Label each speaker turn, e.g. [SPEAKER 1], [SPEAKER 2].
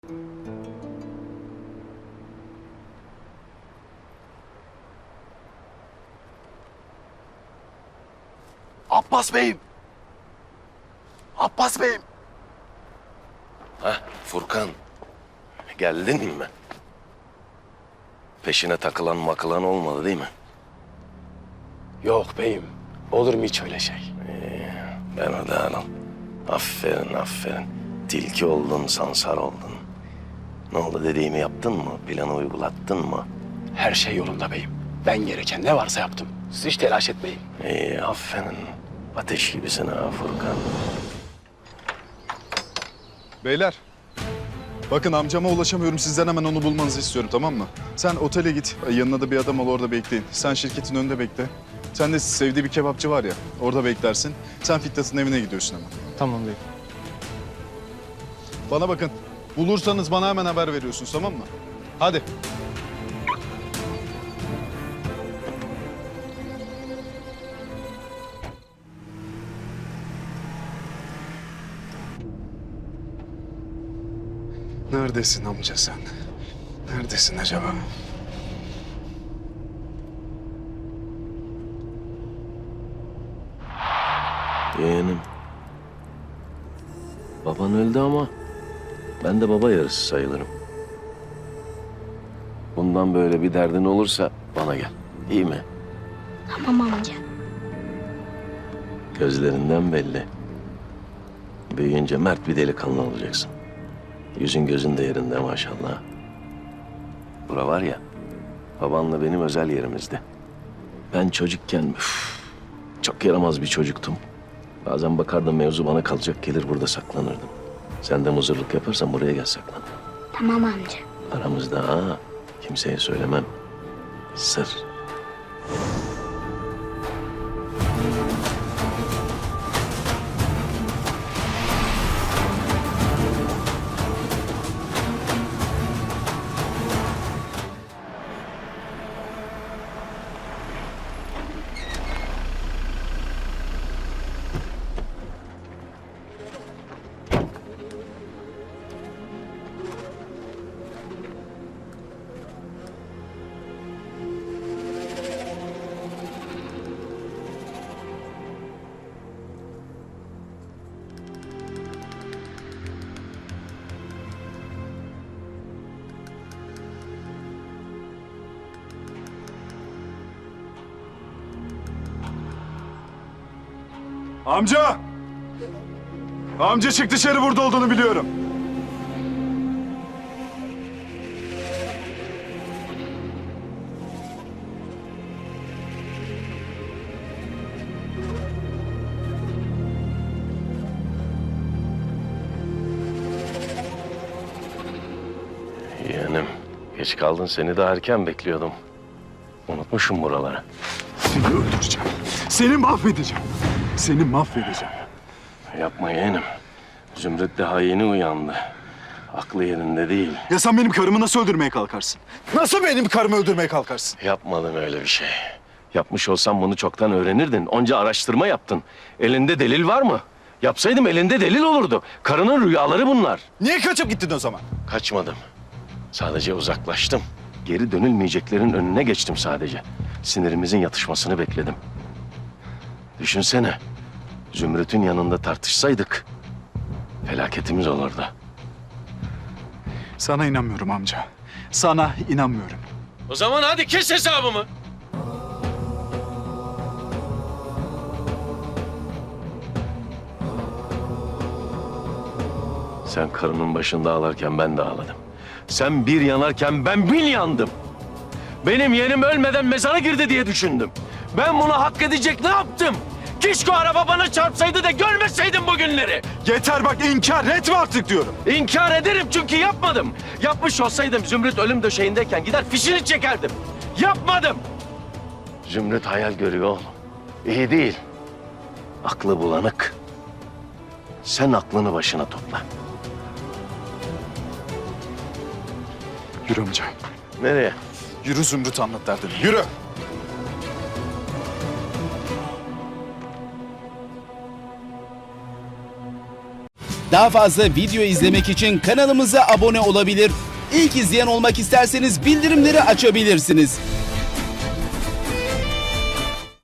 [SPEAKER 1] Abbas Bey'im. Abbas Bey'im.
[SPEAKER 2] Hah Furkan. Geldin mi? Peşine takılan makılan olmadı değil mi?
[SPEAKER 1] Yok beyim. Olur mu hiç öyle şey?
[SPEAKER 2] Ben o da anam. Aferin aferin. Tilki oldun, sansar oldun. Ne oldu dediğimi yaptın mı? Planı uygulattın mı?
[SPEAKER 1] Her şey yolunda beyim. Ben gereken ne varsa yaptım. Siz hiç telaş etmeyin.
[SPEAKER 2] İyi aferin. Ateş gibisin ha Furkan.
[SPEAKER 3] Beyler, bakın amcama ulaşamıyorum. Sizden hemen onu bulmanızı istiyorum, tamam mı? Sen otele git, yanına da bir adam ol, orada bekleyin. Sen şirketin önünde bekle. Sen de sevdiği bir kebapçı var ya, orada beklersin. Sen Fitnat'ın evine gidiyorsun hemen.
[SPEAKER 4] Tamam bey.
[SPEAKER 3] Bana bakın, bulursanız bana hemen haber veriyorsunuz, tamam mı? Hadi.
[SPEAKER 1] Neredesin amca sen? Neredesin acaba?
[SPEAKER 2] Yeğenim. Baban öldü ama ben de baba yarısı sayılırım. Bundan böyle bir derdin olursa bana gel. İyi mi?
[SPEAKER 5] Tamam amca.
[SPEAKER 2] Gözlerinden belli. Büyüyünce mert bir delikanlı olacaksın. Yüzün gözün de yerinde maşallah. Bura var ya, babanla benim özel yerimizdi. Ben çocukken çok yaramaz bir çocuktum. Bazen bakardım mevzu bana kalacak, gelir burada saklanırdım. Sen de muzurluk yaparsan buraya gel saklan.
[SPEAKER 5] Tamam amca.
[SPEAKER 2] Aramızda ha, kimseye söylemem. Sır.
[SPEAKER 3] Amca! Amca çık dışarı, burada olduğunu biliyorum.
[SPEAKER 2] Yeğenim, geç kaldın, seni de erken bekliyordum. Unutmuşum buraları.
[SPEAKER 3] Seni öldüreceğim. Seni mahvedeceğim. Seni mahvedeceğim.
[SPEAKER 2] Yapma yeğenim. Zümrüt daha yeni uyandı. Aklı yerinde değil.
[SPEAKER 3] Ya sen benim karımı nasıl öldürmeye kalkarsın? Nasıl benim karımı öldürmeye kalkarsın?
[SPEAKER 2] Yapmadım öyle bir şey. Yapmış olsam bunu çoktan öğrenirdin. Onca araştırma yaptın. Elinde delil var mı? Yapsaydım elinde delil olurdu. Karının rüyaları bunlar.
[SPEAKER 3] Niye kaçıp gittin o zaman?
[SPEAKER 2] Kaçmadım. Sadece uzaklaştım. Geri dönülmeyeceklerin önüne geçtim sadece. Sinirimizin yatışmasını bekledim. Düşünsene. Zümrüt'ün yanında tartışsaydık felaketimiz olurdu.
[SPEAKER 3] Sana inanmıyorum amca. Sana inanmıyorum.
[SPEAKER 2] O zaman hadi kes hesabımı. Sen karının başında ağlarken ben de ağladım. Sen bir yanarken ben bin yandım. Benim yeğenim ölmeden mezara girdi diye düşündüm. Ben bunu hak edecek ne yaptım? Keşke o araba bana çarpsaydı da görmeseydim bu günleri.
[SPEAKER 3] Yeter bak, inkar etme artık diyorum.
[SPEAKER 2] İnkar ederim çünkü yapmadım. Yapmış olsaydım Zümrüt ölüm döşeğindeyken gider fişini çekerdim. Yapmadım. Zümrüt hayal görüyor oğlum. İyi değil. Aklı bulanık. Sen aklını başına topla.
[SPEAKER 3] Yürü amca.
[SPEAKER 2] Nereye?
[SPEAKER 3] Yürü, Zümrüt anlat derdini. Yürü.
[SPEAKER 4] Daha fazla video izlemek için kanalımıza abone olabilir. İlk izleyen olmak isterseniz bildirimleri açabilirsiniz.